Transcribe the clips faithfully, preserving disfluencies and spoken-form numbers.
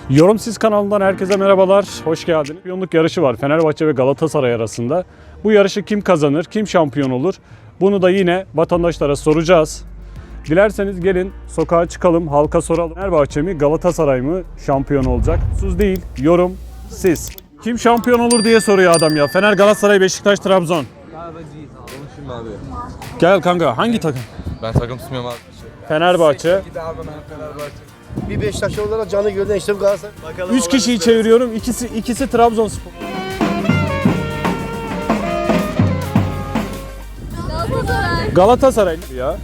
Yorumsiz kanalından herkese merhabalar, hoş geldiniz. Şampiyonluk yarışı var Fenerbahçe ve Galatasaray arasında. Bu yarışı kim kazanır, kim şampiyon olur? Bunu da yine vatandaşlara soracağız. Dilerseniz gelin sokağa çıkalım, halka soralım. Fenerbahçe mi, Galatasaray mı şampiyon olacak? Sus değil, yorum siz. Kim şampiyon olur diye soruyor adam ya. Fener, Galatasaray, Beşiktaş, Trabzon. Konuşayım abi. Gel kanka, hangi takım? Ben takım tutmuyorum abi. Fenerbahçe. Bir Beşiktaş olarak canı gölden işte Galatasaray. Bakalım. Üç kişiyi çeviriyorum, ikisi ikisi Trabzonspor. Galatasaray. Galatasaray ya.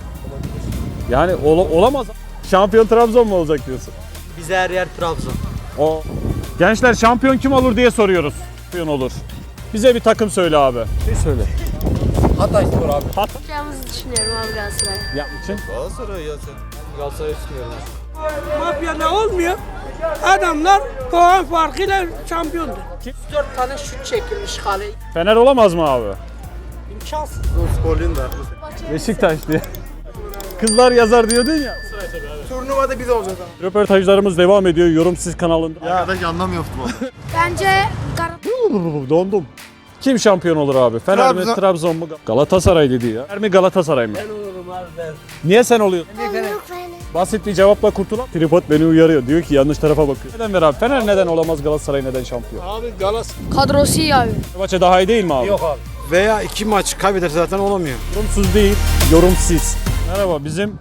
Yani ol- olamaz. Şampiyon Trabzon mu olacak diyorsun? Bize her yer Trabzon. O gençler şampiyon kim olur diye soruyoruz. Şampiyon olur. Bize bir takım söyle abi. Bir söyle. Hatay Spor abi. Yapacağımızı düşünüyorum abi Galatasaray. Yapmak için. Galatasaray ya sen. Galatasaray tutmuyorum abi. Mafyada olmuyor. Adamlar puan farkıyla şampiyondu. dört tane şut çekilmiş kale. Fener olamaz mı abi? İmkansız. Sporluyum da. Beşiktaş diye. Kızlar yazar diyordun ya. Turnuvada biz olacağız abi. Röportajlarımız devam ediyor Yorumsiz kanalında. Arkadaş anlamıyor futbol. Bence Galatasaray. Dondum. Kim şampiyon olur abi? Fener mi, Trabzon. Trabzon mu? Galatasaray dedi ya. Fener mi, Galatasaray mı? Ben olurum abi ben. Niye sen oluyorsun? Yok Fener. Basit bir cevapla kurtulan. Tripod beni uyarıyor. Diyor ki yanlış tarafa bakıyor. Neden ver abi? Fener neden olamaz, Galatasaray neden şampiyon? Abi Galatasaray. Kadrosu iyi abi. Fenerbahçe daha iyi değil mi abi? Yok abi. Veya iki maç kaybeder zaten olamıyor. Yorumsuz değil, yorumsiz. Merhaba bizim...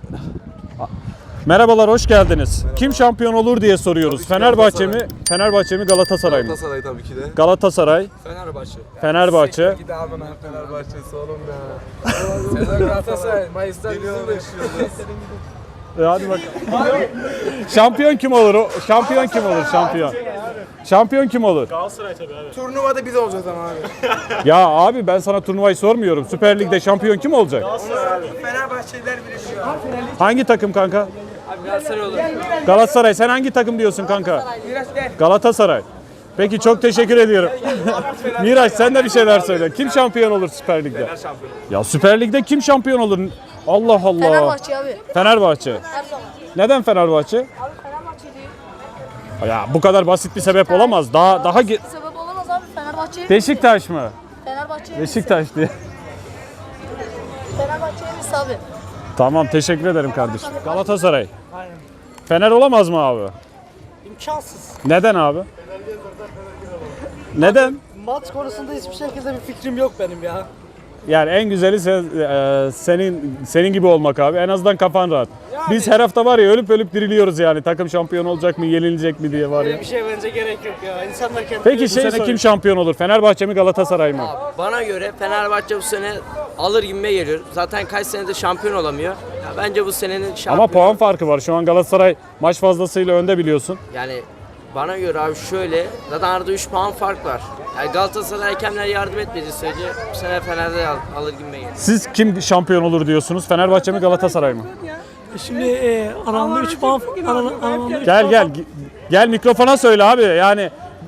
Merhabalar, hoş geldiniz. Kim şampiyon olur diye soruyoruz. Tabii ki Fenerbahçe mi, Galatasaray. Fenerbahçe mi, Galatasaray mı? Galatasaray tabii ki de. Galatasaray, Fenerbahçe. Fenerbahçe. Gidi abi ben Fenerbahçe'si oğlum ya. Sezon Galatasaray. Mayıs'tan geliyor başlıyoruz. E hadi bakalım. Şampiyon kim olur? o? Şampiyon kim olur? Şampiyon. Şampiyon kim olur? Turnuvada biz olacağız ama abi. Ya abi ben sana turnuvayı sormuyorum. Süper Lig'de şampiyon kim olacak? Fenerbahçeliler bile biliyor abi. Hangi takım kanka? Abi Galatasaray olur. Galatasaray. Sen hangi takım diyorsun kanka? Biraz gel. Galatasaray. Peki çok teşekkür ediyorum. Miraç sen de bir şeyler söyle. Kim şampiyon olur Süper Lig'de? Ya Süper Lig'de kim şampiyon olur? Allah Allah. Fenerbahçe abi. Fenerbahçe. Her zaman. Neden Fenerbahçe? Abi Fenerbahçe değil. Ya bu kadar basit bir sebep olamaz. Daha daha ge- Sebep olamaz abi Fenerbahçe. Beşiktaş mı? Fenerbahçe. Beşiktaş diye. Fenerbahçe emrisi abi. Tamam teşekkür ederim kardeşim. Galatasaray. Fener olamaz mı abi? İmkansız. Neden abi? Neden? Maç konusunda hiçbir şekilde bir fikrim yok benim ya. Yani en güzeli sen, e, senin senin gibi olmak abi. En azından kafan rahat. Biz her hafta var ya ölüp ölüp diriliyoruz yani. Takım şampiyon olacak mı, yenilecek mi diye var ya. Bir şey bence gerek yok ya. İnsanlar kendi Peki şey sene kim şampiyon olur? Fenerbahçe mi, Galatasaray mı? Bana göre Fenerbahçe bu sene alır gibime geliyor. Zaten kaç senedir şampiyon olamıyor. Ya bence bu senenin şampiyonu. Ama puan farkı var. Şu an Galatasaray maç fazlasıyla önde biliyorsun. Yani bana göre abi şöyle, zaten arada üç puan fark var. Yani Galatasaray hakemler yardım etmediği sürece bu sene Fener'de al, alır gibime geliyor. Siz kim şampiyon olur diyorsunuz? Fenerbahçe mi, Galatasaray mı? Şimdi e, aramda üç puan aramda üç Gel gel. Gel mikrofona söyle abi. Yani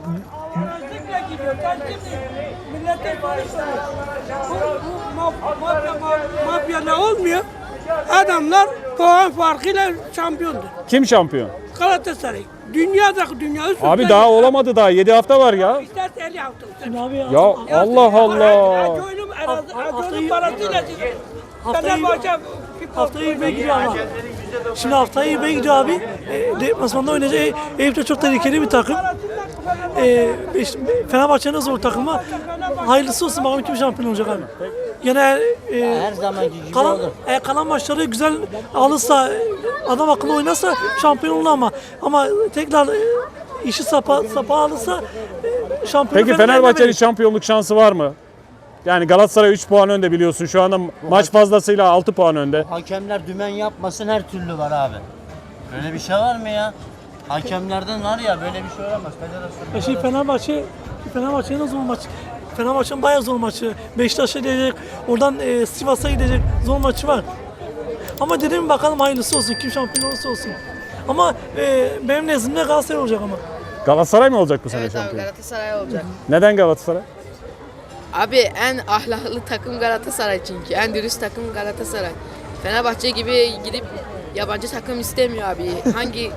Mafyada olmuyor. Adamlar puan farkıyla şampiyondu. kim şampiyon? Galatasaray. Dünyadaki dünya üstünde. Abi daha olamadı daha. yedi hafta var ya. İsterse el yaptı. Ya Allah Allah. Acıoğlu'nun Acıoğlu'nun parasıyla çıktı. Haftayı, Fenerbahçe haftayı yirmiye gidiyor ama. Şimdi haftayı yirmiye gidiyor abi. E, deplasmanda oynayacak. E, Eyüp de çok tehlikeli bir takım. E, beş- Fenerbahçe'nin zor takımı. Hayırlısı olsun bakalım kim şampiyon olacak abi. Yine e, Her zamanki gibi kalan, olur. e, kalan maçları güzel alırsa, adam akıllı oynarsa şampiyon olur ama ama tekrar e, işi sapa sapa alırsa e, şampiyon. Peki Fenerbahçe'nin şampiyonluk şansı var mı? Yani Galatasaray üç puan önde biliyorsun. Şu anda maç fazlasıyla altı puan önde. Hakemler dümen yapmasın her türlü var abi. Böyle bir şey var mı ya? Hakemlerden var ya böyle bir şey olamaz. Federasyon. E şey Fenerbahçe, Fenerbahçe'nin zor maç. Fenerbahçe'nin bayağı zor maçı. Beşiktaş'a gidecek, oradan e, Sivas'a gidecek zor maçı var. Ama dedim bakalım hayırlısı olsun, kim şampiyon olursa olsun. Ama e, benim nezdimde Galatasaray olacak ama. Galatasaray mı olacak bu sene Evet abi şampiyon? Galatasaray olacak. Neden Galatasaray? Abi en ahlaklı takım Galatasaray çünkü. En dürüst takım Galatasaray. Fenerbahçe gibi gidip yabancı takım istemiyor abi. Hangi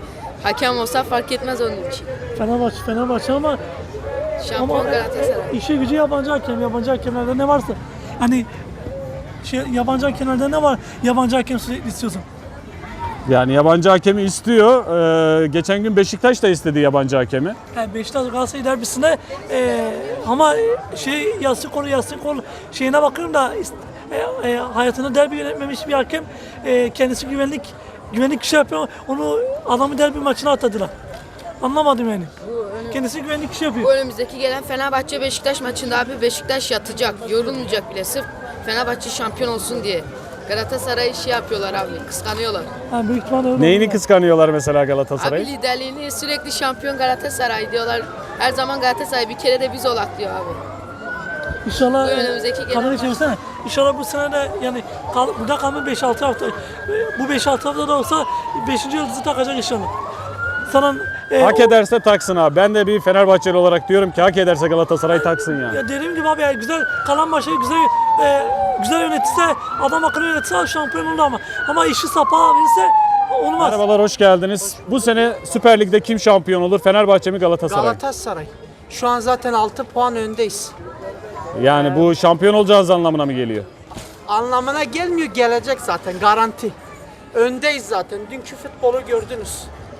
Hakem olsa fark etmez onun için. Fenerbahçe, Fenerbahçe ama Şampiyon Ama- Galatasaray. işe gücü yabancı hakem. Yabancı hakemlerde ne varsa. Hani şey, yabancı hakemlerde ne var? Yabancı hakem sürekli istiyorsun. Yani yabancı hakemi istiyor. Ee, geçen gün Beşiktaş da istedi yabancı hakemi. Yani Beşiktaş Galatasaray derbisine e, ama şey Yasin Kolu Yasin Kolu şeyine bakıyorum da e, e, hayatında derbi yönetmemiş bir hakem e, kendisi güvenlik güvenlik kişi yapıyor. Onu adamı derbi maçına atadılar. Anlamadım yani. Kendisi güvenlik kişi yapıyor. Bu önümüzdeki gelen Fenerbahçe Beşiktaş maçında abi Beşiktaş yatacak, yorulmayacak bile sırf Fenerbahçe şampiyon olsun diye. Galatasaray şey yapıyorlar abi, kıskanıyorlar. Yani büyük ihtimalle öyle Neyini oldu. kıskanıyorlar mesela Galatasaray'ı? Abi liderliğini sürekli şampiyon Galatasaray diyorlar. Her zaman Galatasaray, bir kere de biz olak diyor abi. İnşallah Bu e, önümüzdeki gelen kamerayı maç. çevirsene. İnşallah bu sene de yani kal, burada kalma beş altı hafta. E, Bu beş altı hafta da olsa beşinci yıldızı takacak inşallah. Sana e, Hak o- ederse taksın abi. Ben de bir Fenerbahçeli olarak diyorum ki hak ederse Galatasaray taksın yani. Ya dediğim gibi abi ya güzel kalan maçı güzel e, güzel yönetirse adam akıllı yönetirse şampiyon olur ama ama işi sapa verirse olmaz. Merhabalar, hoş geldiniz. Bu sene Süper Lig'de kim şampiyon olur? Fenerbahçe mi Galatasaray? Galatasaray. Şu an zaten altı puan öndeyiz. Yani bu şampiyon olacağız anlamına mı geliyor? Anlamına gelmiyor, gelecek zaten garanti. Öndeyiz zaten. Dünkü futbolu gördünüz.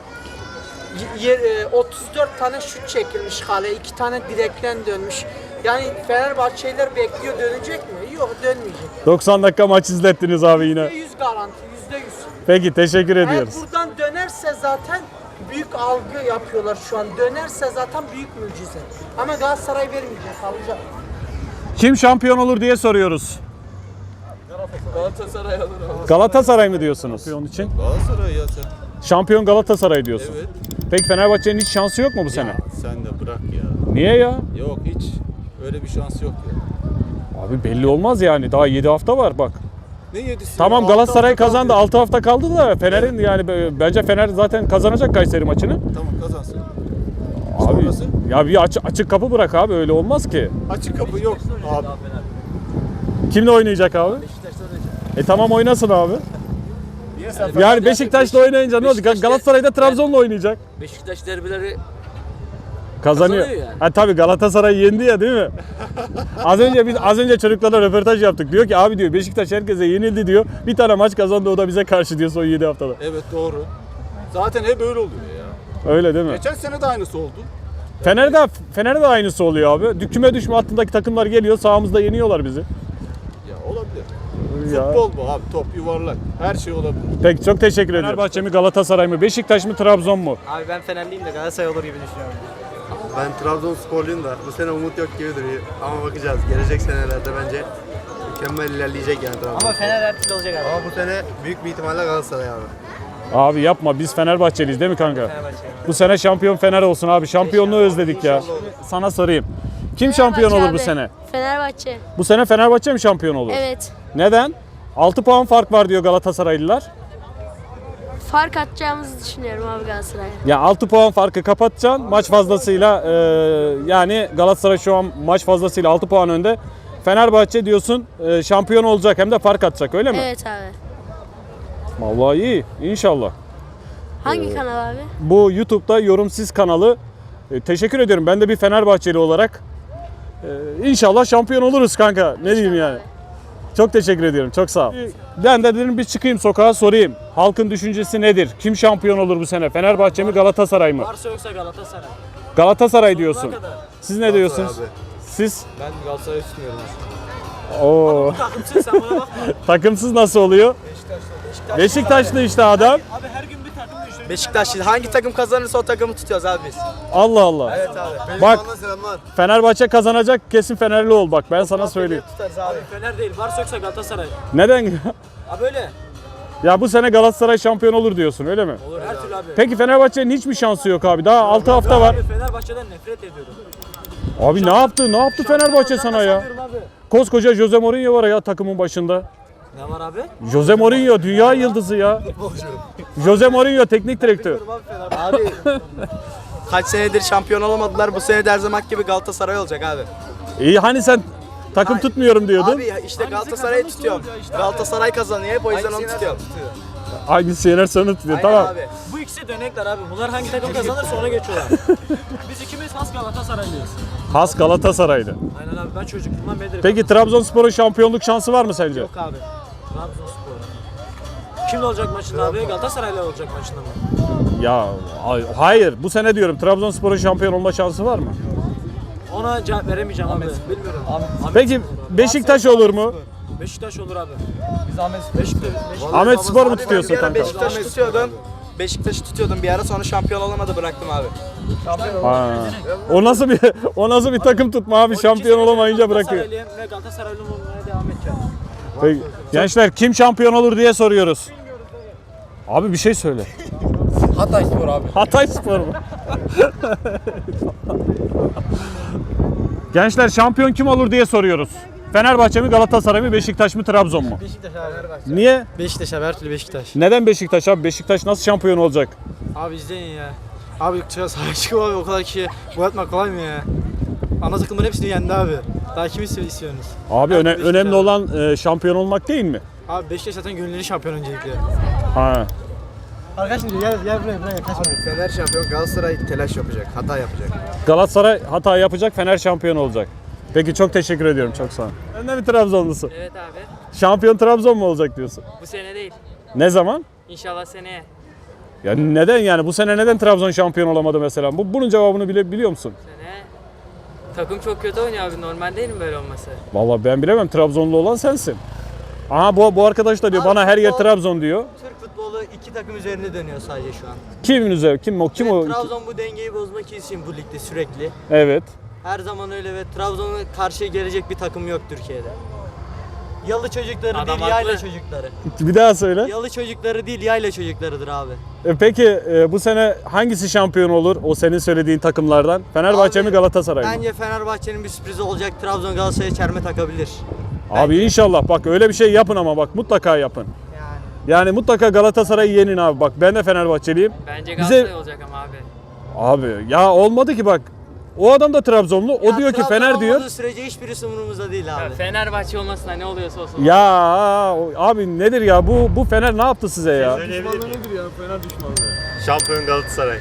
Y- y- e, otuz dört tane şut çekilmiş kaleye, iki tane direkten dönmüş. Yani Fenerbahçeliler bekliyor, dönecek mi? Yok, dönmeyecek. doksan dakika maç izlettiniz abi yine. yüzde yüz garanti, yüzde yüz. Peki, teşekkür Eğer ediyoruz. buradan dönerse zaten büyük algı yapıyorlar şu an. Dönerse zaten büyük mucize. Ama Galatasaray vermeyecek, alacak. Kim şampiyon olur diye soruyoruz. Galatasaray alır ama. Galatasaray mı diyorsunuz? Şampiyon için. Galatasaray ya sen. Şampiyon Galatasaray diyorsun. Evet. Peki Fenerbahçe'nin hiç şansı yok mu bu sene? Sen de bırak ya. Niye ya? Yok hiç. Öyle bir şans yok ya. Abi belli olmaz yani. Daha yedi hafta var bak. Ne yedisi? Tamam, Altı Galatasaray hafta kazandı. kaldı. altı hafta kaldı da Fener'in yani b- bence Fener zaten kazanacak Kayseri maçını. Tamam kazansın. Abi Sonrası? ya bir açık, açık kapı bırak abi, öyle olmaz ki. Açık kapı yok. Abi. Kimle oynayacak abi? E tamam, oynasın abi. Niye sen Yani Beşiktaş'la oynayınca ne olacak? Beşiktaş'ta- Galatasaray'da Trabzon'la oynayacak. Beşiktaş derbileri Kazanıyor. Kazanıyor yani. Ha tabii, Galatasaray yendi ya, değil mi? az önce biz az önce çocuklarla röportaj yaptık. Diyor ki abi diyor Beşiktaş herkese yenildi diyor. Bir tane maç kazandı, o da bize karşı diyor son yedi haftada. Evet doğru. Zaten hep öyle oluyor ya. Öyle değil mi? Geçen sene de aynısı oldu. Fener'de Fener'de de aynısı oluyor abi. Dü- Küme düşme hattındaki takımlar geliyor, sahamızda yeniyorlar bizi. Ya olabilir. Ya. Futbol bu abi. Top yuvarlak. Her şey olabilir. Peki, çok teşekkür ederim. Fenerbahçe mi Galatasaray mı? Beşiktaş mı Trabzon mu? Abi ben Fenerliyim de Galatasaray olur gibi düşünüyorum. Ben Trabzonsporluyum da bu sene umut yok gibi duruyor. Ama bakacağız. Gelecek senelerde bence mükemmel ilerleyecek yani Trabzon. Ama Fener her türlü olacak abi. Ama bu sene büyük bir ihtimalle Galatasaray abi. Abi yapma, biz Fenerbahçeliyiz değil mi kanka? Bu sene şampiyon Fener olsun abi. Şampiyonluğu özledik ya. Sana sorayım. Kim şampiyon olur bu sene? Fenerbahçe. Bu sene Fenerbahçe mi şampiyon olur? Evet. Neden? altı puan fark var diyor Galatasaraylılar. Fark atacağımızı düşünüyorum abi Galatasaray'a. Ya altı puan farkı kapatacaksın. Maç fazlasıyla e, yani Galatasaray şu an maç fazlasıyla altı puan önde. Fenerbahçe diyorsun e, şampiyon olacak, hem de fark atacak, öyle mi? Evet abi. Vallahi iyi. İnşallah. Hangi kanal abi? Bu YouTube'da Yorumsiz kanalı. E, teşekkür ediyorum. Ben de bir Fenerbahçeli olarak. E, İnşallah şampiyon oluruz kanka. Ne diyeyim yani. Çok teşekkür ediyorum. Çok sağ ol. Ben de dedim bir çıkayım sokağa sorayım. Halkın düşüncesi nedir? Kim şampiyon olur bu sene? Fenerbahçe mi Galatasaray mı? Varsa yoksa Galatasaray. Galatasaray diyorsun. Siz ne diyorsunuz? abi. Siz? Ben Galatasaray'ı tutmuyorum. Oo. Takımsın sen bana bakma. Takımsız nasıl oluyor? Beşiktaşlı işte adam. Abi her gün bir takım değiştiriyor. Beşiktaş hangi takım kazanırsa o takımı tutuyoruz abi biz. Allah Allah. Evet abi. Bak, Bana selamlar. Fenerbahçe kazanacak, kesin Fenerli ol bak, ben sana söyleyeyim. Tutarız abi. Fener değil. Varsa yoksa Galatasaray. Neden? Abi öyle. Ya bu sene Galatasaray şampiyon olur diyorsun, öyle mi? Olur her türlü abi. Peki Fenerbahçe'nin hiç mi şansı yok abi? Daha altı hafta var. Abi Fenerbahçe'den nefret ediyorum. Abi ne yaptı? Ne yaptı Fenerbahçe sana ya? Abi. Koskoca Jose Mourinho var ya takımın başında. Ne var abi? Jose Mourinho dünya yıldızı ya. Jose Mourinho teknik direktör. Abi kaç senedir şampiyon olamadılar. Bu sene de her zaman gibi Galatasaray olacak abi. İyi, hani sen takım tutmuyorum diyordun. Abi ya işte Galatasaray'ı tutuyorum. Galatasaray kazanıyor hep o yüzden onu tutuyorum. Hangisi yenerse onu tutuyor. Tamam. Bu ikisi dönekler abi. Bunlar hangi takım kazanırsa ona geçiyorlar. Biz ikimiz has Galatasaraylıyız. Has Galatasaraylı. Aynen abi, ben çocukluğumdan beridir. Peki Trabzonspor'un şampiyonluk şansı var mı sence? Yok abi. Trabzonspor. Kimle olacak maçında abi? Galatasaray'la olacak maçında mı? Ya ay- hayır. Bu sene diyorum Trabzonspor'un şampiyon olma şansı var mı? Ona cevap veremeyeceğim abi. Bilmiyorum. Peki Beşiktaş olur mu? Beşiktaş olur abi. Biz Ahmet Beşiktaş. Beşiktaş. Ahmet Spor mu tutuyorsun kanka? Beşiktaş'ı tutuyordum. Beşiktaş'ı tutuyordum bir ara, sonra şampiyon olamadı, bıraktım abi. Ha. O nasıl bir o nasıl bir takım tutma abi, şampiyon olamayınca bırakıyor. Galatasaraylıyım ve Galatasaraylı olmaya devam edeceğim. Peki, gençler kim şampiyon olur diye soruyoruz. Abi bir şey söyle. Hatay Spor abi. Hatay Spor mu? Gençler şampiyon kim olur diye soruyoruz. Fenerbahçe mi, Galatasaray mı, Beşiktaş mı, Trabzon mu? Beşiktaş abi. Niye? Beşiktaş abi, her türlü Beşiktaş. Neden Beşiktaş abi? Beşiktaş nasıl şampiyon olacak? Abi izleyin ya. Abi sahaya çıkıp abi o kadar kişi gol atmak kolay mı ya? Ana takımların hepsini yendi abi. Daha kimi istiyorsunuz? Abi Her öne- türlü Beşiktaş önemli abi. olan e, şampiyon olmak değil mi? Abi Beşiktaş zaten gönülleri şampiyon öncelikle. Ha. Arkadaşlar gel gel buraya buraya kaçma. Fener şampiyon, Galatasaray telaş yapacak, hata yapacak. Galatasaray hata yapacak, Fener şampiyon olacak. Peki çok teşekkür ediyorum, çok sağ ol. Sen de mi Trabzonlusun? Evet abi. Şampiyon Trabzon mu olacak diyorsun? Bu sene değil. Ne zaman? İnşallah seneye. Ya neden yani? Bu sene neden Trabzon şampiyon olamadı mesela? Bu, bunun cevabını bile biliyor musun? Sene takım çok kötü oynuyor abi. Normal değil mi böyle olması? Vallahi ben bilemem. Trabzonlu olan sensin. Aha bu, bu arkadaş da diyor bana her yer Trabzon diyor. Türk futbolu iki takım üzerinde dönüyor sadece şu an. Kimin üzerine? Kim o? Kim o? Trabzon bu dengeyi bozmak için bu ligde sürekli. Evet. Her zaman öyle ve Trabzon'a karşı gelecek bir takım yok Türkiye'de. Yalı çocukları Adam değil, haklı. yayla çocukları. Bir daha söyle. Yalı çocukları değil, yayla çocuklarıdır abi. E peki e, bu sene hangisi şampiyon olur o senin söylediğin takımlardan? Fenerbahçe Abi, mi, Galatasaray mı? Bence Fenerbahçe'nin bir sürprizi olacak. Trabzon Galatasaray'a çelme takabilir. Abi inşallah bak öyle bir şey yapın ama bak mutlaka yapın. Yani. Yani mutlaka Galatasaray'ı yenin abi. Bak ben de Fenerbahçeliyim. Bence Bize- Galatasaray olacak ama abi. Abi ya olmadı ki bak. O adam da Trabzonlu. O Ya diyor ki Trabzon Fener diyor. olmadığı sürece hiçbirisi umurumuzda değil abi. Ya Fenerbahçe olmasına ne oluyorsa olsun. Ya o- abi nedir ya bu bu Fener ne yaptı size ya? Düşmanlığı nedir ya? Fener düşmanlığı. Şampiyon Galatasaray.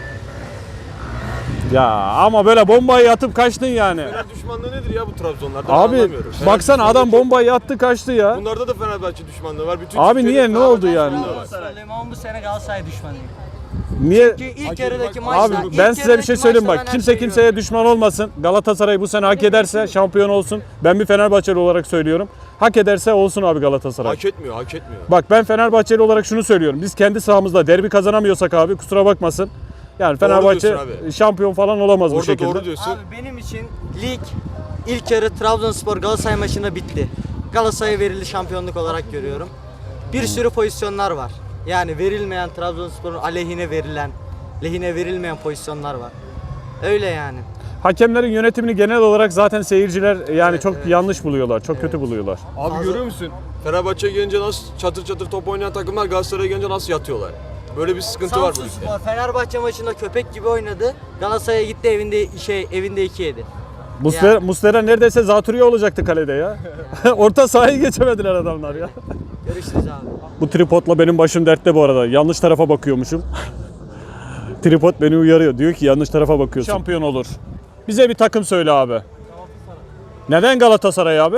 Ya ama böyle bombayı atıp kaçtın yani. Fener düşmanlığı nedir ya bu Trabzonlarda? Ben Abi anlamıyorum. Fener baksana düşmanlığı adam kim? bombayı attı kaçtı ya. Bunlarda da Fenerbahçe düşmanlığı var. Bütün Abi Türkiye'de niye, ne Fenerbahçe oldu yani? düşmanlığı var. Galatasaraylıyım ama bu sene Galatasaray düşmanıyım. Niye? Çünkü ilk Hak yarıdaki edilmek- maçta... Abi ilk ben size bir yarıdaki şey söyleyeyim maçta bak. ben Kimse her şeyi kimseye düşman olmasın. Galatasaray bu sene hak ederse şampiyon olsun. Ben bir Fenerbahçeli olarak söylüyorum. Hak ederse olsun abi Galatasaray. Hak etmiyor, hak etmiyor. Bak ben Fenerbahçeli olarak şunu söylüyorum. Biz kendi sahamızda derbi kazanamıyorsak abi kusura bakmasın. Yani Fenerbahçe diyorsun abi. şampiyon falan olamaz bu Orada şekilde. doğru diyorsun. Abi benim için lig ilk yarı Trabzonspor Galatasaray maçında bitti. Galatasaray'a verildi şampiyonluk olarak görüyorum. Bir sürü pozisyonlar var. Yani verilmeyen, Trabzonspor'un aleyhine verilen, lehine verilmeyen pozisyonlar var. Öyle yani. Hakemlerin yönetimini genel olarak zaten seyirciler yani çok yanlış buluyorlar. Çok kötü buluyorlar. Abi Fazla- görüyor musun? Fenerbahçe'ye gelince nasıl çatır çatır top oynayan takımlar Galatasaray'a gelince nasıl yatıyorlar? Böyle bir sıkıntı var bu ligde. Samsunspor Fenerbahçe maçında köpek gibi oynadı. Galatasaray'a gitti evinde şey evinde iki yedi. Muslera, Ya. Muslera neredeyse zatürre olacaktı kalede ya. Orta sahayı geçemediler adamlar ya. Görüşürüz abi. Bu tripodla benim başım dertte bu arada. Yanlış tarafa bakıyormuşum. Tripod beni uyarıyor. Diyor ki yanlış tarafa bakıyorsun. Şampiyon olur. Bize bir takım söyle abi. Neden Galatasaray abi?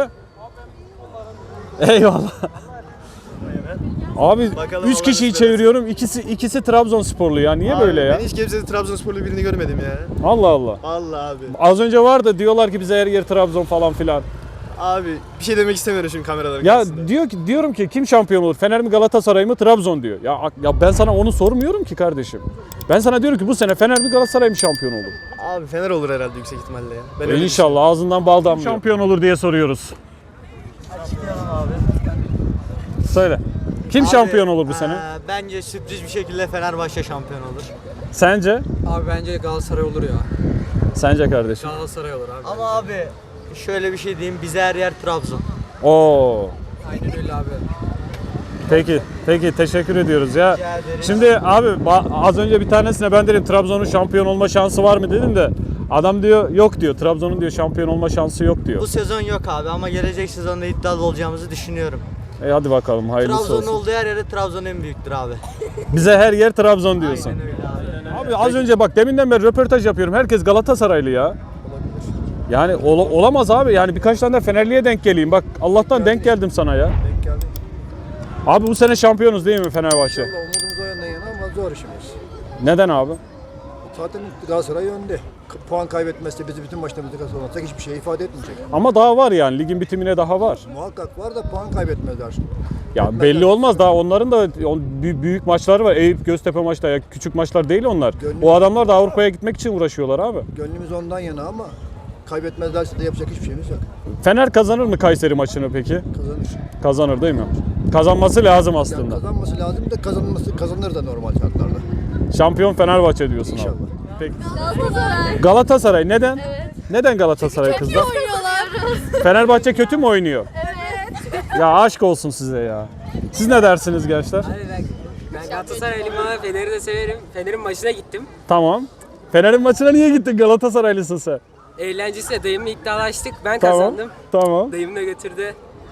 Eyvallah. Abi Bakalım üç Allah kişiyi nasip eder. çeviriyorum. İkisi ikisi Trabzonsporlu ya. Niye böyle ya? Ben hiç kimsede Trabzonsporlu birini görmedim ya. Allah Allah. Vallahi abi. Az önce vardı diyorlar ki bize her yer Trabzon falan filan. Abi bir şey demek istemiyorum şimdi kameraların Ya karşısında. diyor ki diyorum ki kim şampiyon olur? Fener mi, Galatasaray mı, Trabzon diyor. Ya ya ben sana onu sormuyorum ki kardeşim. Ben sana diyorum ki bu sene Fener mi, Galatasaray mı şampiyon olur? Abi Fener olur herhalde yüksek ihtimalle ya. Ben E öyle İnşallah ağzından bal damlıyor. Şampiyon olur diye soruyoruz. Söyle. Kim Abi, şampiyon olur bu sene? eee, bence sürpriz bir şekilde Fenerbahçe şampiyon olur. Sence? Abi bence Galatasaray olur ya. Sence kardeşim? Galatasaray olur abi. Ama abi şöyle bir şey diyeyim, bize her yer Trabzon. Oo. Aynen öyle abi. Peki. Peki teşekkür ediyoruz ya. Rica ederim. Şimdi abi ba- az önce bir tanesine ben dedim Trabzon'un şampiyon olma şansı var mı dedim de adam diyor yok diyor. Trabzon'un diyor şampiyon olma şansı yok diyor. Bu sezon yok abi ama gelecek sezonda iddialı olacağımızı düşünüyorum. E hadi bakalım hayırlısı Trabzon'un olsun. olduğu her yerde Trabzon en büyüktür abi. Bize her yer Trabzon diyorsun. Aynen öyle abi. Abi az önce bak deminden beri röportaj yapıyorum. Herkes Galatasaraylı ya. Yani ol- olamaz abi. Yani birkaç tane de Fenerli'ye denk geleyim. Bak Allah'tan denk geldim sana ya. Denk geldik. Abi bu sene şampiyonuz değil mi Fenerbahçe? Valla umudumuz o yönden yana ama zor işimiz. Neden abi? Zaten Galatasaray önde. K- Puan kaybetmezse bizi bütün maçlarımızda kazanırsak hiçbir şey ifade etmeyecek. Ama daha var yani. Ligin bitimine daha var. Muhakkak var da puan kaybetmezler. Ya belli olmaz daha onların da on- bü- büyük maçları var. Eyüp Göztepe maçta ya küçük maçlar değil onlar. Gönlüm- O adamlar da Avrupa'ya gitmek için uğraşıyorlar abi. Gönlümüz ondan yana ama kaybetmezlerse de yapacak hiçbir şeyimiz yok. Fener kazanır mı Kayseri maçını peki? Kazanır. Kazanır değil mi? Kazanması lazım Yani aslında. kazanması lazım da kazanması kazanır da normal şartlarda. Şampiyon Fenerbahçe diyorsun İnşallah. abi. Peki. Galatasaray. Galatasaray neden? Evet. Neden Galatasaray kızlar? oynuyorlar. Fenerbahçe kötü mü oynuyor? Evet. Ya aşk olsun size ya. Siz ne dersiniz gençler? Abi ben, ben Galatasaraylıyım ama Fener'i de severim. Fener'in maçına gittim. Tamam. Fener'in maçına niye gittin Galatasaraylısın sen? Eğlencesiyle dayımla iddialaştık. Ben Tamam. kazandım. Tamam. Dayım da götürdü.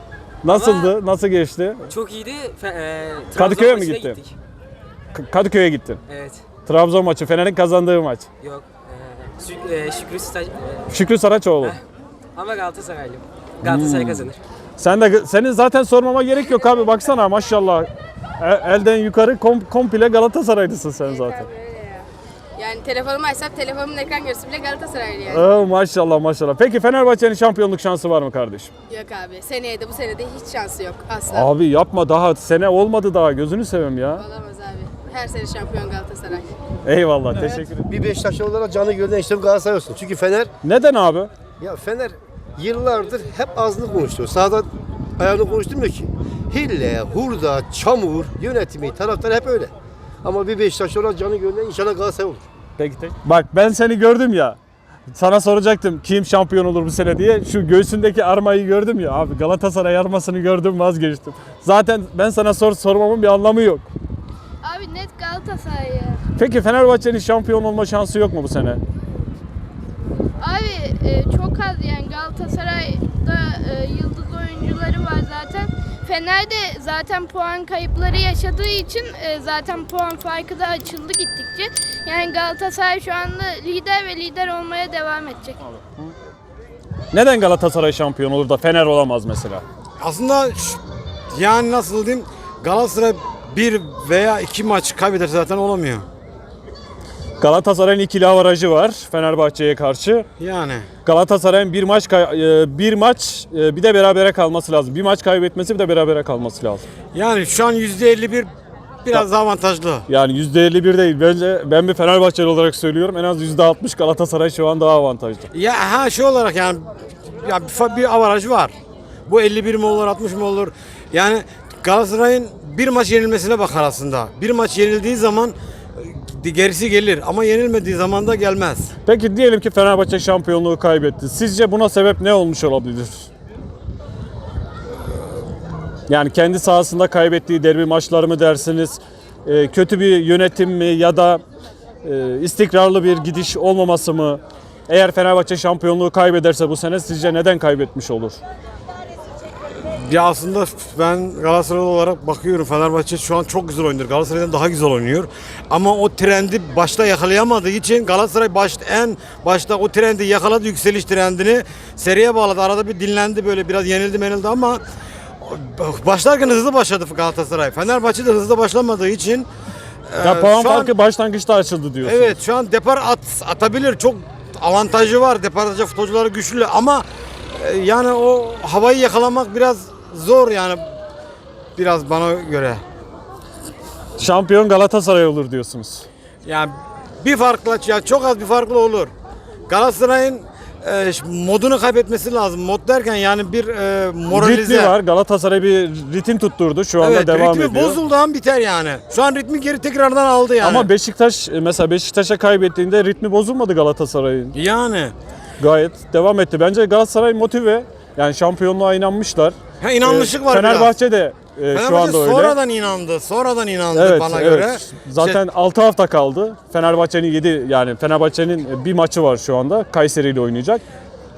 Nasıldı? Nasıl geçti? Çok iyiydi. Fe, e, Trabzon Kadıköy'e mi maçına gittin? gittik. K- Kadıköy'e gittin. Evet. Trabzon maçı, Fener'in kazandığı maç. Yok. E, Şük, e, Şükrü Staj... e, Şükrü Saraçoğlu. ama Galatasaraylıyım. Galatasaray Hmm. kazanır. Sen de senin zaten sormama gerek yok abi baksana maşallah. E- elden yukarı kom, komple Galatasaraylısın sen zaten. Yani telefonumu açsam telefonumun ekran görüntüsü bile Galatasaraylı yani. Oo, maşallah maşallah. Peki Fenerbahçe'nin şampiyonluk şansı var mı kardeşim? Yok abi. Seneye de bu sene de hiç şansı yok asla. Abi yapma daha sene olmadı daha gözünü seveyim ya. Olamaz abi. Her sene şampiyon Galatasaray. Eyvallah teşekkür ederim. Bir Beşiktaşlı olarak canı gönülden işlem Galatasaray olsun. Çünkü Fener, Neden abi? ya Fener yıllardır hep ağzını konuşuyor. Sahada ayağını konuşturmuyor ki. Hille, hurda, çamur, yönetimi, taraftar hep öyle. Ama bir Beşiktaşlı olarak canı gönülden inşallah Galatasaray olur. Peki tek. Bak ben seni gördüm ya. Sana soracaktım kim şampiyon olur bu sene diye. Şu göğsündeki armayı gördüm ya abi Galatasaray armasını gördüm vazgeçtim. Zaten ben sana sor sormamın bir anlamı yok. Abi net Galatasaray ya. Peki Fenerbahçe'nin şampiyon olma şansı yok mu bu sene? Abi e, çok az yani Galatasaray'da e, yıldız oyuncuları var zaten. Fener'de zaten puan kayıpları yaşadığı için e, zaten puan farkı da açıldı gittikçe. Yani Galatasaray şu anda lider ve lider olmaya devam edecek. Neden Galatasaray şampiyon olur da Fener olamaz mesela? Aslında ş- yani nasıl diyeyim Galatasaray bir veya iki maç kaybederse zaten olamıyor. Galatasaray'ın ikili avarajı var Fenerbahçe'ye karşı. Yani. Galatasaray'ın bir maç kay- e, bir maç e, bir de berabere kalması lazım. Bir maç kaybetmesi bir de berabere kalması lazım. Yani şu an yüzde elli bir biraz daha avantajlı. Yani yüzde elli bir değil. Bence ben bir Fenerbahçeli olarak söylüyorum. En az yüzde altmış Galatasaray şu an daha avantajlı. Ya ha şey olarak yani ya bir, fa- bir avaraj var. Bu elli bir mi olur altmış mı olur? Yani Galatasaray'ın bir maç yenilmesine bakar aslında. Bir maç yenildiği zaman e, gerisi gelir ama yenilmediği zaman da gelmez. Peki diyelim ki Fenerbahçe şampiyonluğu kaybetti. Sizce buna sebep ne olmuş olabilir? Yani kendi sahasında kaybettiği derbi maçları mı dersiniz? Ee, kötü bir yönetim mi ya da e, istikrarlı bir gidiş olmaması mı? Eğer Fenerbahçe şampiyonluğu kaybederse bu sene sizce neden kaybetmiş olur? Ya aslında ben Galatasaraylı olarak bakıyorum Fenerbahçe şu an çok güzel oynuyor. Galatasaray'dan daha güzel oynuyor. Ama o trendi başta yakalayamadığı için Galatasaray baş, en başta o trendi yakaladı, yükseliş trendini seriye bağladı. Arada bir dinlendi böyle biraz yenildi menildi ama başlarken hızlı başladı Galatasaray. Fenerbahçe de hızlı başlamadığı için Ya e, puan şu an- farkı başlangıçta açıldı diyorsunuz. Evet şu an depar at, atabilir. Çok avantajı var. Depar atacak futbolcuları güçlü ama e, yani o havayı yakalamak biraz zor yani biraz bana göre. Şampiyon Galatasaray olur diyorsunuz. Yani bir farkla ya çok az bir farklı olur. Galatasaray'ın e, modunu kaybetmesi lazım. Mod derken yani bir e, moralize. Ritmi var. Galatasaray bir ritim tutturdu. Şu anda Evet, devam ritmi ediyor. bozuldu an biter yani. Şu an ritmi geri tekrardan aldı yani. Ama Beşiktaş mesela Beşiktaş'a kaybettiğinde ritmi bozulmadı Galatasaray'ın. Yani. Gayet devam etti. Bence Galatasaray motive. Yani şampiyonluğa inanmışlar. Ha, inanmışlık Ee, var Fenerbahçe de e, şu Fenerbahçe anda öyle. sonradan inandı. Sonradan inandı Evet, bana evet. göre. Zaten altı hafta kaldı. Fenerbahçe'nin yedi yani Fenerbahçe'nin bir maçı var şu anda. Kayseri ile oynayacak.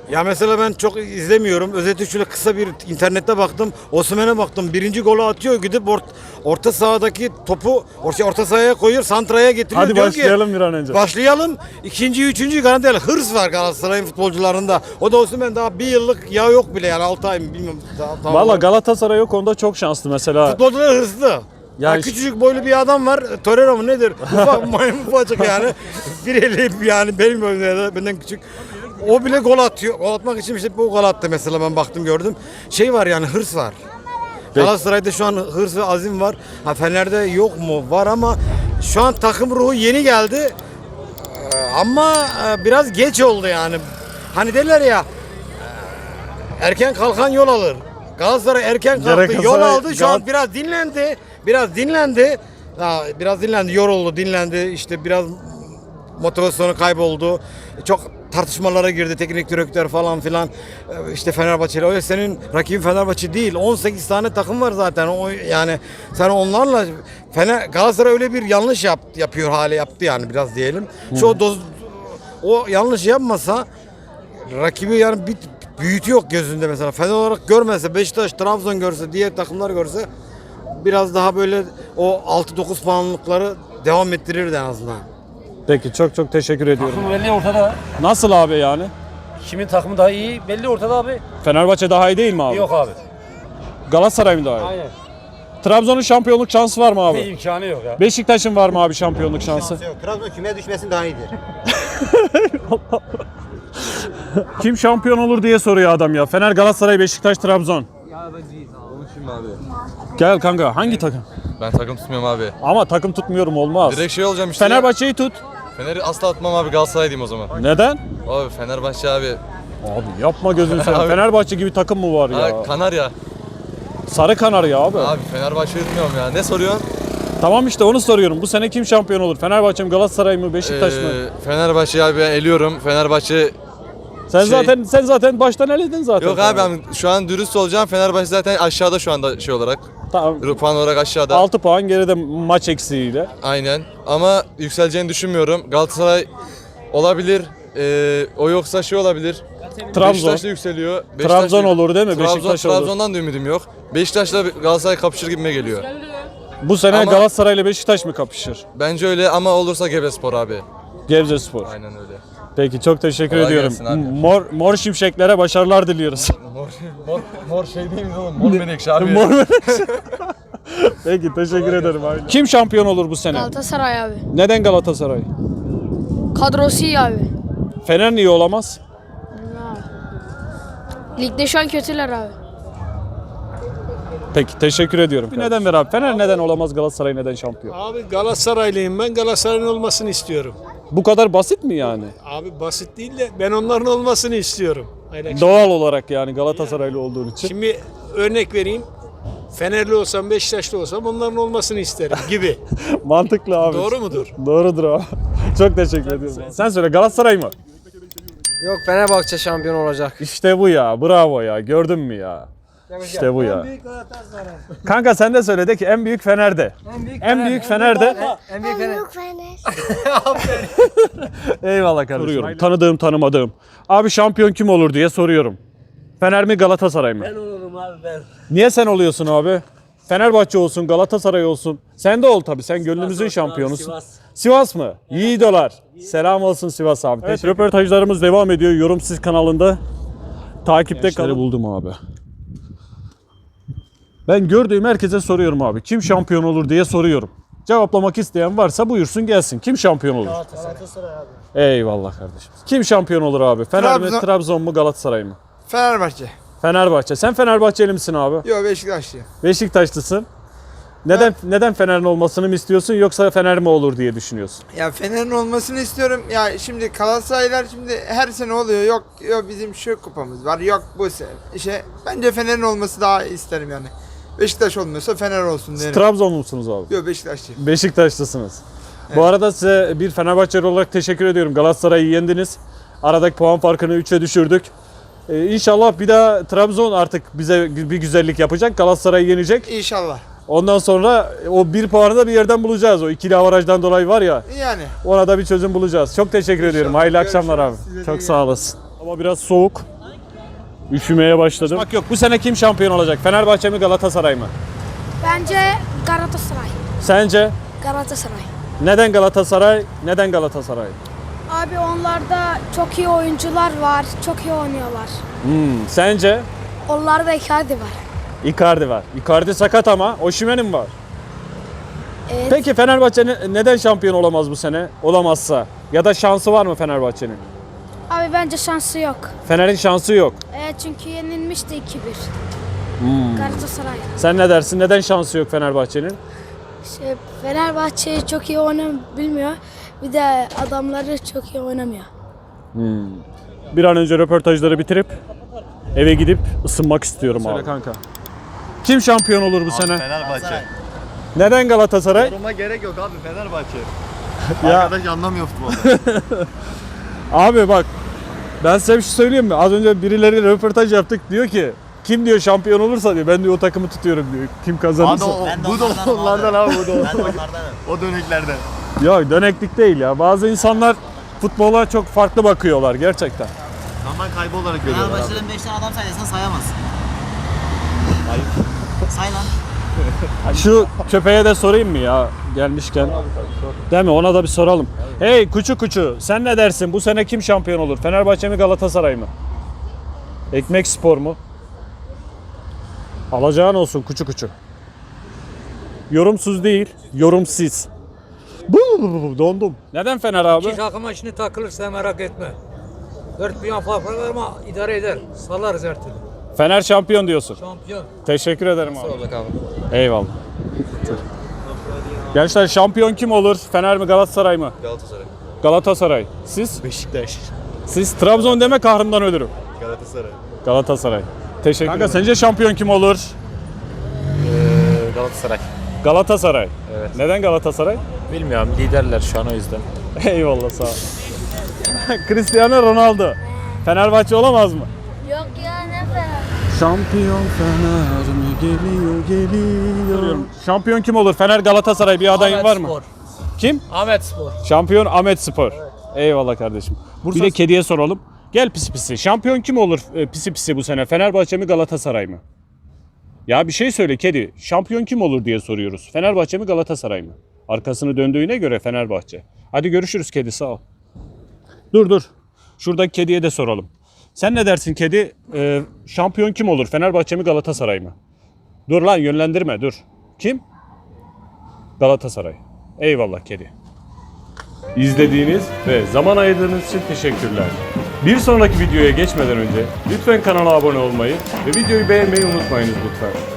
Ya mesela ben çok izlemiyorum. Özellikle şöyle kısa bir internette baktım. Osimhen'e baktım. Birinci golü atıyor. Gidip or, orta sahadaki topu orta, orta sahaya koyuyor. Santra'ya getiriyor. Hadi Diyor ki, başlayalım bir an önce. Başlayalım. İkinci, üçüncü garanti. Hırs var Galatasaray'ın futbolcularında. O da Osimhen daha bir yıllık ya yok bile yani altı ay mı bilmiyorum. Daha, daha Valla Galatasaray o konuda çok şanslı mesela. Futbolcular hırslı. Ya Ya işte- küçücük boylu bir adam var. Torreira mı nedir? Ufak maymun ufacık yani. Bir eli yani benim boyumda benden küçük. O bile gol atıyor. Gol atmak için işte bu gol attı mesela ben baktım gördüm. Şey var yani hırs var. Galatasaray'da şu an hırs ve azim var. Ha Fener'de yok mu? Var ama şu an takım ruhu yeni geldi. Ee, Ama e, biraz geç oldu yani. Hani derler ya e, erken kalkan yol alır. Galatasaray erken kalktı, Galatasaray- yol aldı. Şu an Gal- biraz dinlendi. Biraz dinlendi. Ha, biraz dinlendi, yoruldu, dinlendi. İşte biraz motivasyonu kayboldu. Çok tartışmalara girdi teknik direktör falan filan. Ee, İşte Fenerbahçe'yle. Öyle senin rakibin Fenerbahçe değil. on sekiz tane takım var zaten. O yani sen onlarla Fener Galatasaray öyle bir yanlış yap, yapıyor hale yaptı yani biraz diyelim. Şu doz o yanlış yapmasa rakibi yani bir büyütü yok gözünde mesela. Fener olarak görmese, Beşiktaş, Trabzon görse, diğer takımlar görse biraz daha böyle o altı dokuz puanlıkları devam ettirirdi en azından. Peki çok çok teşekkür ediyorum. Takım belli ortada. Nasıl abi yani? Kimin takımı daha iyi belli ortada abi. Fenerbahçe daha iyi değil mi abi? Yok abi. Galatasaray mı daha iyi? Aynen. Trabzon'un şampiyonluk şansı var mı abi? İmkanı yok ya. Beşiktaş'ın var mı abi şampiyonluk şansı? Trabzon kümeye düşmesin daha iyidir. Kim şampiyon olur diye soruyor adam ya. Fener, Galatasaray, Beşiktaş, Trabzon. Konuşayım abi. Gel kanka hangi takım? Ben takım tutmuyorum abi. Ama takım tutmuyorum olmaz. Direkt şey olacağım işte. Fenerbahçe'yi tut. Fener'i asla atmam abi, Galatasaray diyeyim o zaman. Neden? Abi Fenerbahçe abi. Abi yapma gözünü seveyim. Abi. Fenerbahçe gibi takım mı var ya? Abi Kanarya. Sarı Kanarya abi. Abi Fenerbahçe'yi tutmuyorum ya. Ne soruyorsun? Tamam işte onu soruyorum. Bu sene kim şampiyon olur? Fenerbahçe mi, Galatasaray mı, Beşiktaş mı? Ee, Fenerbahçe'yi abi ben eliyorum. Fenerbahçe Sen şey- zaten sen zaten baştan eledin zaten. Yok abi ben şu an dürüst olacağım. Fenerbahçe zaten aşağıda şu anda şey olarak. Tamam. Puan olarak aşağıda. altı puan geride maç eksiğiyle. Aynen. Ama yükseleceğini düşünmüyorum. Galatasaray olabilir. Ee, o yoksa şey olabilir. Trabzon. Beşiktaş da yükseliyor. Trabzon olur değil mi? Trabzon, Beşiktaş olur. Trabzon'dan da ümidim yok. Beşiktaş'la Galatasaray kapışır gibime geliyor. Bu sene Ama- Galatasaray ile Beşiktaş mı kapışır? Bence öyle ama olursa Gebespor abi. Gebzespor. Aynen öyle. Peki çok teşekkür Kolay ediyorum. gelsin abi. Mor mor şimşeklere başarılar diliyoruz. Mor, mor, mor şey değil mi oğlum? Mor menekşe abi. Mor Peki teşekkür ederim abi. Kim şampiyon olur bu sene? Galatasaray abi. Neden Galatasaray? Kadrosu iyi abi. Fener niye olamaz? Ligde şu an kötüler abi. Peki teşekkür ediyorum. Bir neden ver abi. Fener neden olamaz, Galatasaray neden şampiyon? Abi Galatasaraylıyım ben. Galatasaray'ın olmasını istiyorum. Bu kadar basit mi yani? Abi basit değil de ben onların olmasını istiyorum. Aynen. Doğal olarak yani Galatasaraylı olduğun için. Şimdi örnek vereyim. Fenerli olsam, Beşiktaşlı olsam onların olmasını isterim gibi. Mantıklı abi. Doğru mudur? Doğrudur abi. Çok teşekkür ediyorum. Sen söyle, Galatasaray mı? Yok, Fenerbahçe şampiyon olacak. İşte bu ya. Bravo ya. Gördün mü ya? İşte bu ya. Kanka sen de söyle de ki en büyük Fener'de. En büyük Fener'de. En büyük Fener. Eyvallah kardeşim. Soruyorum. Tanıdığım tanımadığım. Abi şampiyon kim olur diye soruyorum. Fener mi, Galatasaray mı? Ben olurum abi ben. Niye sen oluyorsun abi? Fenerbahçe olsun, Galatasaray olsun. Sen de ol tabii. Sen gönlümüzün olsun şampiyonusun. abi, Sivas. Sivas mı? Yiğidolar. Selam olsun Sivas abi. Evet, röportajlarımız devam ediyor. Yorumsiz kanalında. Takipte kalın. buldum abi. Ben gördüğüm herkese soruyorum abi. Kim şampiyon olur diye soruyorum. Cevaplamak isteyen varsa buyursun gelsin. Kim şampiyon olur? Galatasaray abi. Eyvallah kardeşim. Kim şampiyon olur abi? Fener mi, Trabzon- Trabzon mu, Galatasaray mı? Fenerbahçe. Fenerbahçe. Sen Fenerbahçeli misin abi? Yok, Beşiktaşlıyım. Beşiktaşlısın. Neden neden Fener'in olmasını mı istiyorsun yoksa Fener mi olur diye düşünüyorsun? Ya Fener'in olmasını istiyorum. Ya şimdi Galatasaraylar şimdi her sene oluyor. Yok yok bizim şu kupamız var. Yok bu sene. İşte bence Fener'in olması daha isterim yani. Beşiktaş olmuyorsa Fener olsun derim. Trabzon musunuz abi? Yok, Beşiktaşlıyım. Beşiktaşlısınız. Bu arada size bir Fenerbahçeli olarak teşekkür ediyorum. Galatasaray'ı yendiniz. Aradaki puan farkını üçe düşürdük. Ee, İnşallah bir daha Trabzon artık bize bir güzellik yapacak. Galatasaray'ı yenecek. İnşallah. Ondan sonra o bir puanı da bir yerden bulacağız. O ikili avarajdan dolayı var ya. Yani. Ona da bir çözüm bulacağız. Çok teşekkür ediyorum. Hayırlı akşamlar abi. Çok sağ olasın. Ama biraz soğuk. Üşümeye başladım. Bak yok, bu sene kim şampiyon olacak? Fenerbahçe mi, Galatasaray mı? Bence Galatasaray. Sence? Galatasaray. Neden Galatasaray? Neden Galatasaray? Abi onlarda çok iyi oyuncular var. Çok iyi oynuyorlar. Hmm, sence? Onlarda Icardi var. Icardi var. Icardi sakat ama Osimhen'in var. Evet. Peki Fenerbahçe ne- neden şampiyon olamaz bu sene? Olamazsa. Ya da şansı var mı Fenerbahçe'nin? Abi bence şansı yok. Fener'in şansı yok. Evet çünkü yenilmişti iki bir. Hmm. Galatasaray. Sen ne dersin? Neden şansı yok Fenerbahçe'nin? Şey, Fenerbahçe çok iyi oynam bilmiyor. Bir de adamları çok iyi oynamıyor. Hmm. Bir an önce röportajları bitirip eve gidip ısınmak istiyorum abi. Kanka. Kim şampiyon olur bu sene? Fenerbahçe. Neden Galatasaray? Yoruma gerek yok abi, Fenerbahçe. Ya- Arkadaş anlamıyor futbolda. Abi bak, ben size bir şey söyleyeyim mi? Az önce birileri röportaj yaptık, diyor ki kim diyor şampiyon olursa diyor, ben diyor o takımı tutuyorum diyor. Kim kazanırsa. Abi o, Ben de bu da onlardanım onlardan abi. abi, bu da Ben de onlardan. onlardanım. O döneklerden. Ya döneklik değil ya. Bazı insanlar futbola çok farklı bakıyorlar gerçekten. Zaman kaybı olarak görüyorlar abi. Fenerbahçe'den beş tane adam sayarsan sayamazsın. Say lan. Şu köpeğe de sorayım mı ya gelmişken? Değil mi? Ona da bir soralım. Hey kuçu kuçu, sen ne dersin? Bu sene kim şampiyon olur? Fenerbahçe mi, Galatasaray mı? Ekmek Spor mu? Alacağın olsun kuçu kuçu. Yorumsuz değil, yorumsiz. Bu, bu, bu, bu, dondum. Neden Fener abi? takıma şimdi takılırsa merak etme. Dört milyon fark var ama idare eder. Salarız her türlü. Fener şampiyon diyorsun. Şampiyon. Teşekkür ederim abi. abi. Eyvallah. Gençler şampiyon kim olur? Fener mi, Galatasaray mı? Galatasaray. Galatasaray. Siz? Beşiktaş. Siz Trabzon deme, kahrımdan ölürüm. Galatasaray. Galatasaray. Teşekkür ederim. Kanka sence şampiyon kim olur? Galatasaray. Galatasaray. Evet. Neden Galatasaray? Bilmiyorum, liderler şu an o yüzden. Eyvallah, sağ ol. Cristiano Ronaldo. Fenerbahçe olamaz mı? Yok ya ne Fener? Şampiyon Fener mi geliyor geliyor. Şampiyon kim olur? Fener, Galatasaray, bir adayın var mı? Kim? Ahmet Spor. Şampiyon Ahmet Spor. Eyvallah kardeşim. Bir de kediye soralım. Gel pisi pisi. Şampiyon kim olur e, pisi pisi bu sene? Fenerbahçe mi, Galatasaray mı? Ya bir şey söyle kedi. Şampiyon kim olur diye soruyoruz. Fenerbahçe mi, Galatasaray mı? Arkasını döndüğüne göre Fenerbahçe. Hadi görüşürüz kedi, sağ ol. Dur dur. Şuradaki kediye de soralım. Sen ne dersin kedi? Ee, şampiyon kim olur? Fenerbahçe mi, Galatasaray mı? Dur lan, yönlendirme dur. Kim? Galatasaray. Eyvallah kedi. İzlediğiniz ve zaman ayırdığınız için teşekkürler. Bir sonraki videoya geçmeden önce lütfen kanala abone olmayı ve videoyu beğenmeyi unutmayınız lütfen.